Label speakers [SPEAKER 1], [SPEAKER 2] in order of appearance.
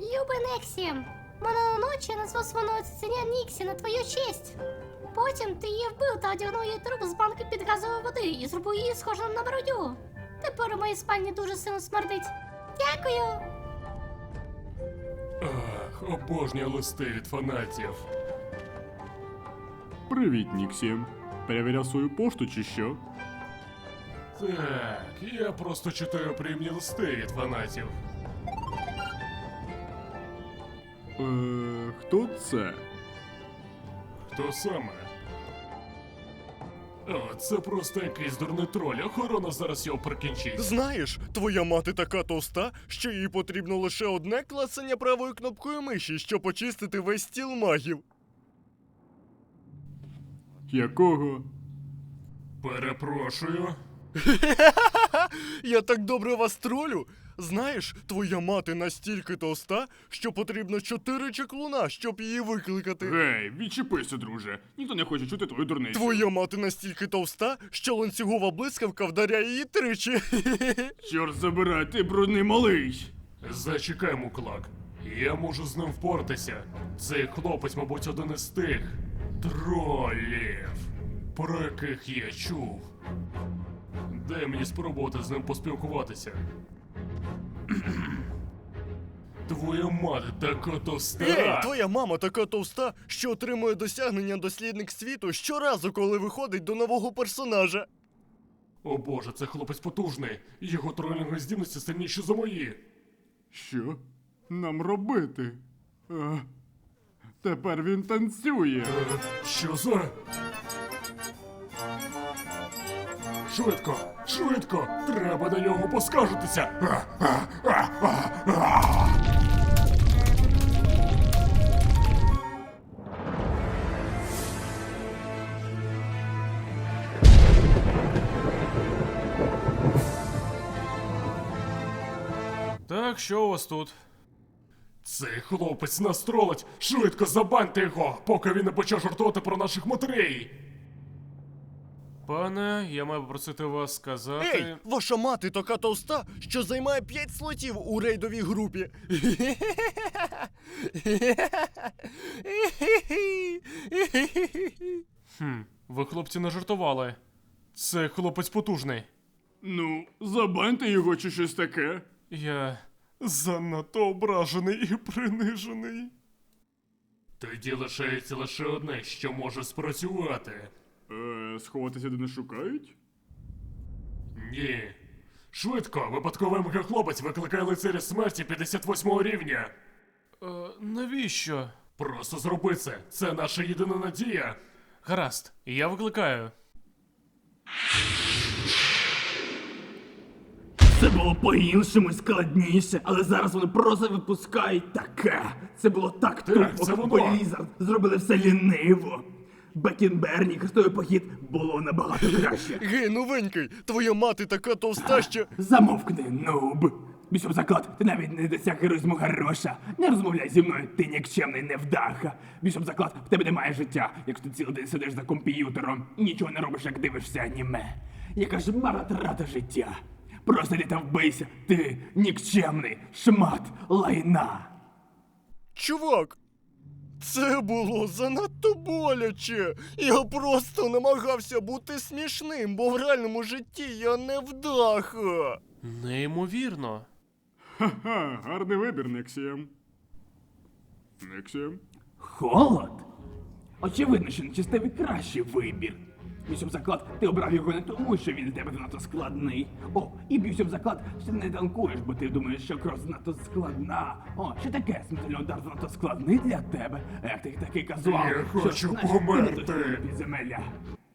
[SPEAKER 1] Любий Нексі, минулої ночі я назвав свого цуценя Ніксі на твою честь. Потім ти її вбив та одягнув її труп з банки під газової води і зробив її схожим на бродю. Тепер у моїй спальні дуже сильно смердить. Дякую!
[SPEAKER 2] Ах, обожнюю листи від фанатів.
[SPEAKER 3] Привіт, Ніксі. Перевіряв свою пошту чи що?
[SPEAKER 2] Так, я просто читаю приємні листи від фанатів.
[SPEAKER 3] Хто це?
[SPEAKER 2] Хто саме? О, це просто якийсь дурний троль, охорона зараз його прикінчить.
[SPEAKER 4] Знаєш, твоя мати така товста, що їй потрібно лише одне клацання правою кнопкою миші, щоб очистити весь стіл магів.
[SPEAKER 3] Якого?
[SPEAKER 2] Перепрошую.
[SPEAKER 4] Я так добре вас тролю. Знаєш, твоя мати настільки товста, що потрібно 4 чаклуна, щоб її викликати.
[SPEAKER 3] Гей, відчепися, друже. Ніхто не хоче чути твою дурницю.
[SPEAKER 4] Твоя мати настільки товста, що ланцюгова блискавка вдаряє її тричі.
[SPEAKER 3] Чорт забирай, ти брудний малий.
[SPEAKER 2] Зачекай, Муклак. Я можу з ним впоратися. Цей хлопець, мабуть, один із тих тролів, про яких я чув. Дай мені спробувати з ним поспілкуватися. Твоя мати така товста.
[SPEAKER 4] Ей, твоя мама така товста, що отримує досягнення дослідник світу щоразу, коли виходить до нового персонажа.
[SPEAKER 2] О боже, це хлопець потужний. Його тролінгові здібності сильніші за мої.
[SPEAKER 3] Що нам робити? Тепер він танцює.
[SPEAKER 2] Що за? Швидко, швидко! Треба на нього поскаржитися!
[SPEAKER 5] Так, що у вас тут?
[SPEAKER 2] Цей хлопець нас тролить! Швидко забаньте його, поки він не почав жартувати про наших матерей!
[SPEAKER 5] Пане, я маю попросити вас сказати.
[SPEAKER 4] Ей, ваша мати така товста, що займає 5 слотів у рейдовій групі.
[SPEAKER 5] Ви, хлопці, не жартували. Це хлопець потужний.
[SPEAKER 3] Ну, забаньте його чи щось таке.
[SPEAKER 5] Я.
[SPEAKER 2] Занадто ображений і принижений. Тоді лишається лише одне, що може спрацювати.
[SPEAKER 3] Сховатися де не шукають?
[SPEAKER 2] Ні. Швидко, випадковий мегахлопець викликає лицаря смерті 58 рівня.
[SPEAKER 5] Навіщо?
[SPEAKER 2] Просто зроби це. Це наша єдина надія.
[SPEAKER 5] Гаразд, я викликаю.
[SPEAKER 6] Це було по-іншому і складніше, але зараз вони просто випускають таке. Це було так
[SPEAKER 2] це
[SPEAKER 6] тупо,
[SPEAKER 2] воно.
[SPEAKER 6] бо Blizzard зробили все ліниво. Бекінберні хрестовий похід було набагато краще.
[SPEAKER 4] Гей, новенький, твоя мати така товста, що...
[SPEAKER 6] Замовкни, нуб. Бішов заклад, ти навіть не досяг героїзму Гарроша. Не розмовляй зі мною, ти нікчемний невдаха. Бішов заклад, в тебе немає життя, якщо ти цілий день сидиш за комп'ютером і нічого не робиш, як дивишся аніме. Яка ж марнотрата життя. Просто йди та вбийся, ти нікчемний шмат лайна.
[SPEAKER 4] Чувак, це було занадто боляче. Я просто намагався бути смішним, бо в реальному житті я невдаха.
[SPEAKER 5] Неймовірно.
[SPEAKER 3] Ха-ха, гарний вибір, Нексія. Нексія?
[SPEAKER 6] Холод? Очевидно, що нечистивий кращий вибір. Б'юся в заклад, ти обрав його не тому, що він для тебе занадто складний. О, і б'юся в заклад, що ти не танкуєш, бо ти думаєш, що кров занадто складна. О, що таке смертельний удар занадто складний для тебе? Як ти такий казуал,
[SPEAKER 2] Я
[SPEAKER 6] що,
[SPEAKER 2] хочу
[SPEAKER 6] знаєш, ти не
[SPEAKER 2] померти.
[SPEAKER 6] дослідний підземелля.